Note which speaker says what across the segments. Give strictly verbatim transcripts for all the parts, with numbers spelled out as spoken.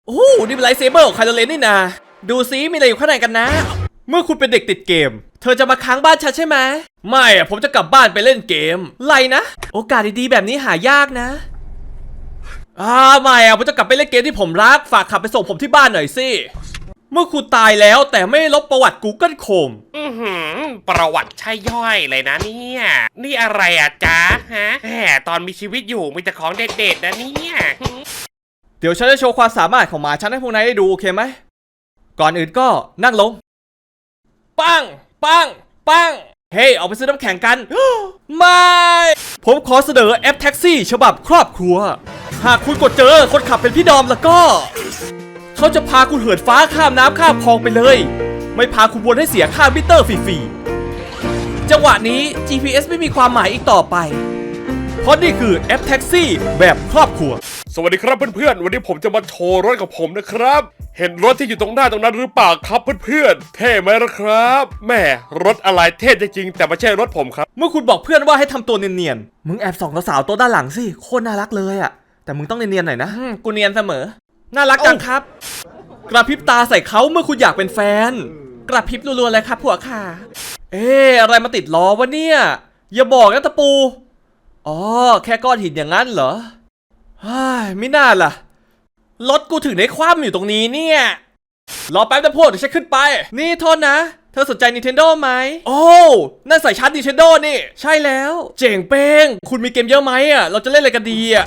Speaker 1: โอ้นี่เป็นไลท์เซเบอร์ของไคลโรเลนนี่นาดูซิมีอะไรอยู่ข้างในกันนะเมื่อคุณเป็นเด็กติดเกมเธอจะมาค้างบ้านฉันใช่ไหมไม่อะผมจะกลับบ้านไปเล่นเกมไรนะโอกาสดีๆแบบนี้หายากนะอ่าไม่อะผมจะกลับไปเล่นเกมที่ผมรักฝากขับไปส่งผมที่บ้านหน่อยสิเมื่อคุณตายแล้วแต่ไม่ลบประวัติ Google Chrome
Speaker 2: อือหือประวัติใช่ย่อยเลยนะเนี่ยนี่อะไรอ่ะจ๊ะฮะแหมตอนมีชีวิตอยู่มีแต่ของเด็ดๆนะเนี่ย
Speaker 1: เดี๋ยวฉันจะโชว์ความสามารถของหมาฉันให้พวกนายได้ดูโอเคไหมก่อนอื่นก็นั่งลงปังปังปังเฮ้ยออกไปซื้อน้ำแข็งกัน ไม่ผมขอเสนอแอปแท็กซี่ฉบับครอบครัวหากคุณกดเจอคนขับเป็นพี่ดอมแล้วก็เขาจะพาคุณเหินฟ้าข้ามน้ำข้ามคลองไปเลยไม่พาคุณวนให้เสียค่ามิเตอร์ฟรีๆจังหวะนี้ จี พี เอส ไม่มีความหมายอีกต่อไปเพราะนี่คือแอปแท็กซี่แบบครอบครัว
Speaker 3: สวัสดีครับเพื่อนๆวันนี้ผมจะมาโชว์รถกับผมนะครับเห็นรถที่อยู่ตรงหน้าตรงนั้นหรือเปล่าครับเพื่อนๆเท่ไหมล่ะครับแม่รถอะไรเท่จริงๆแต่ไม่ใช่รถผมครับ
Speaker 1: เมื่อคุณบอกเพื่อนว่าให้ทำตัวเนียนๆมึงแอบส่องสาวตัวด้านหลังสิโคตรน่ารักเลยอะแต่มึงต้องเนียนๆหน่อยนะกูเนียนเสมอน่ารักจังครับกระพริบตาใส่เขาเมื่อคุณอยากเป็นแฟนกระพริบรัวๆเลยครับผัวค่ะเอ๊ะอะไรมาติดล้อวะเนี่ยอย่าบอกนะตะปูอ๋อแค่ก้อนหินอย่างนั้นเหรอฮ่าไม่น่าล่ะรถกูถึงได้คว่ำอยู่ตรงนี้เนี่ยรอแป๊บนะพวกเดี๋ยวฉันขึ้นไปนี่โทษนะเธอสนใจ Nintendo ไหมโอ้นั่นใส่ชาร์จ Nintendo นี่ใช่แล้วเจ๋งเป้งคุณมีเกมเยอะไหมอ่ะเราจะเล่นอะไรกันดีอ่ะ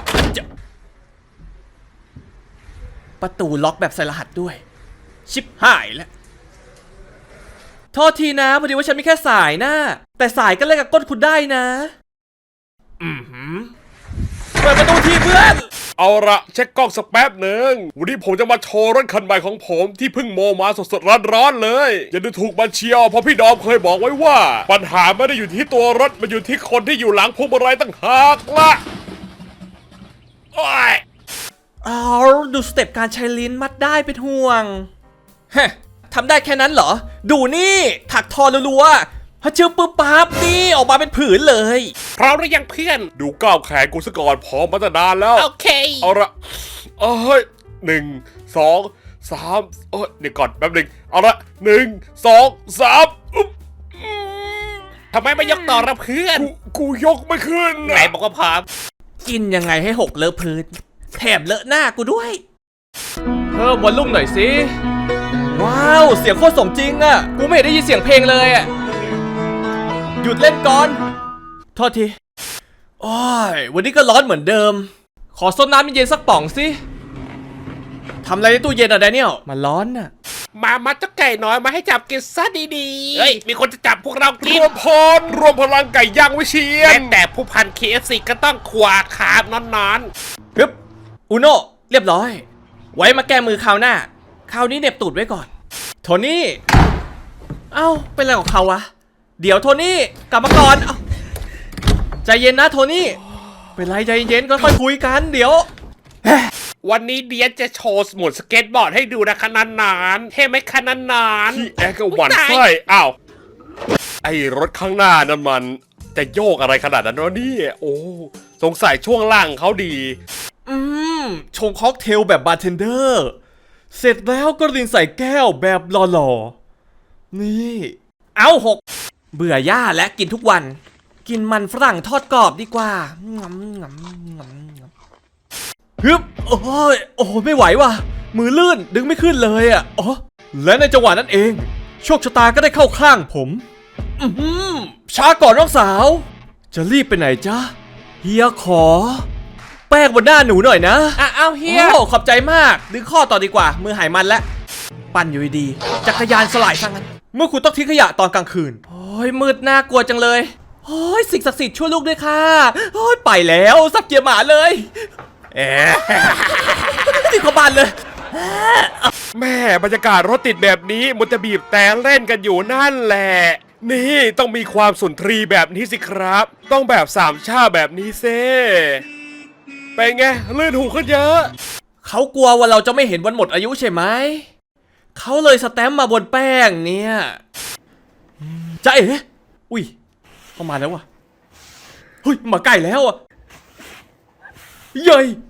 Speaker 1: ประตูล็อกแบบใส่รหัสด้วยชิบหายแล้วโทษทีนะพอดีว่าฉันมีแค่สายนะแต่สายก็เล่นกับก้นคุณได้นะอือหือเปิดประตูทีเพื่อน
Speaker 3: เอาละเช็คกล้องสักแป๊บหนึ่งวันนี้ผมจะมาโชว์รถคันใหม่ของผมที่เพิ่งโมมาสดๆร้อนๆเลยอย่าดูถูกมันเชียวเพราะพี่ดอมเคยบอกไว้ว่าปัญหาไม่ได้อยู่ที่ตัวรถมันอยู่ที่คนที่อยู่หลังพวงมาลัยตั้งหากละโอ้ย
Speaker 1: อ๋อดูสเต็ปการใช้ลิ้นมัดได้เป็นห่วงฮะทำได้แค่นั้นเหรอดูนี่ถักทอรัวๆพอเชื่อปุ๊บปั๊บนี่ออกมาเป็นผืนเลย
Speaker 2: พร้อมหรือยังเพื่อน
Speaker 3: ดูก้าวแขนกูซะก่อนพร้อมมาตั้งนานแล้ว
Speaker 2: โอเค
Speaker 3: เอาละเอ้ยหนึ่งสองสามเอ้ยเดี๋ยวก่อนแป๊บหนึ่งเอาละหนึ่งสองสามอุ๊บ
Speaker 2: ทำไมไม่ยกต่อละเพื่อน
Speaker 3: กูกูยกไม่ขึ้น
Speaker 2: ไหนบอกว่าพร้อม
Speaker 1: กินยังไงให้หกเลอะพื้นแถมเลอะหน้ากูด้วยเพิ่มวอลลุ่มหน่อยสิว้าวเสียงโคตรสมจริงอะกูไม่ได้ยินเสียงเพลงเลยอะหยุดเล่นก่อนโทษทีโอ้ยวันนี้ก็ร้อนเหมือนเดิมขอซดน้ำเย็นๆสักป่องสิทำอะไรในตู้เย็นอะแดเนียลมันร้อนอะ
Speaker 2: มามาเจ้าไก่น้อยมาให้จับกินซะดีๆเฮ้ยมีคนจะจับพวกเรากิน
Speaker 3: รวมพลรวมพลังไก่ย่างวิเชียร
Speaker 2: แต่ผู้พัน เค เอฟ ซี ก็ต้องขวาขามนอน
Speaker 1: ๆฮึบอุโนเรียบร้อยไว้มาแก้มือคราวหน้าคราวนี้เน็บตูดไว้ก่อนโทนี่เอ้าเป็นอะไรของเขาวะเดี๋ยวโทนี่กลับมาก่อนเอ้าใจเย็นนะโทนี่เป็นไรใจเย็นก็ค่อยคุยกันเดี๋ยว
Speaker 2: วันนี้เดียนจะโชว์หมุนสเก็ตบอร์ดให้ดูนะขนาดนานเท่ไหมขนาดนาน
Speaker 3: ที่แอร์ก็หวั่นไส้อ้าวไอ้รถข้างหน้านั่นมันจะโยกอะไรขนาดนั้นวะนี่โอ้สงสัยช่วงล่างเขาดี
Speaker 1: อืมชงค็อกเทลแบบบาร์เทนเดอร์เสร็จแล้วก็รินใส่แก้วแบบหล่อๆนี่เอาหกเบื่อย่าและกินทุกวันกินมันฝรั่งทอดกรอบดีกว่างำงำงำฮึบโอ้ยโอ้ไม่ไหวว่ะมือลื่นดึงไม่ขึ้นเลยอ่ะอ๋อและในจังหวะนั้นเองโชคชะตาก็ได้เข้าข้างผมอืมช้าก่อนน้องสาวจะรีบไปไหนจ๊ะเฮียขอแป้งบนหน้าหนูหน่อยนะอ่ะเอาเฮียโอ้ขอบใจมากดึงข้อต่อดีกว่ามือหายมันแล้วปั่นอยู่ดีจักรยานสลายซะงั้นเมื่อคุณต้องทิ้งขยะตอนกลางคืนโอ้ยมืดน่ากลัวจังเลยโอ้ยสิ่งศักดิ์สิทธิ์ช่วยลูกด้วยค่ะโอ้ยไปแล้วสับเกียร์หมาเลยเอ๊ะติดขบานเลย
Speaker 3: แม่บรรยากาศรถติดแบบนี้มันจะบีบแต่เล่นกันอยู่นั่นแหละนี่ต้องมีความสุนทรีแบบนี้สิครับต้องแบบสามชาแบบนี้เซ่เป็นไงลื่นหูขึ้นเยอะ
Speaker 1: เขากลัวว่าเราจะไม่เห็นวันหมดอายุใช่ไหมเขาเลยสแตมป์มาบนแป้งเนี่ยจะเอ๋อุ้ยเข้ามาแล้วว่ะเฮ้ยมาใกล้แล้วอ่ะเย้ย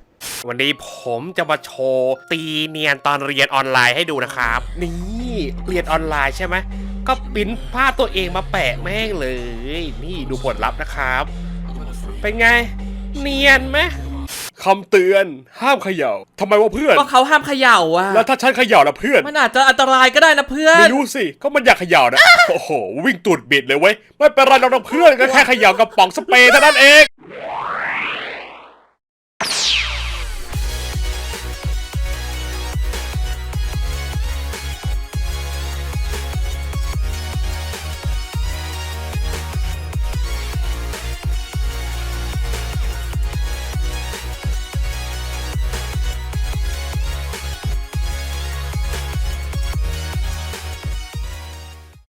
Speaker 2: วันนี้ผมจะมาโชว์ตีเนียนตอนเรียนออนไลน์ให้ดูนะครับ นี่เรียนออนไลน์ใช่ไหมก็ปริ้นภาพตัวเองมาแปะแม่งเลย นี่ดูผลลัพธ์นะครับ เป็นไง เนียนไหม
Speaker 3: คำเตือนห้ามเขย่าทำไมวะเพื่อน
Speaker 1: ก็เขาห้ามเขย่าอ่ะ
Speaker 3: แล้วถ้าฉันเขย่าล่ะเพื่อน
Speaker 1: มันอาจจะอันตรายก็ได้นะเพื่อน
Speaker 3: ไม่รู้สิ ก็มันอยากเขย่านะ โอ้โห วิ่งตูดบิดเลยเว้ย ไม่เป็นไรเราเพื่อนก็แค่เขย่ากระป๋องสเปรย์เท่านั้นเอง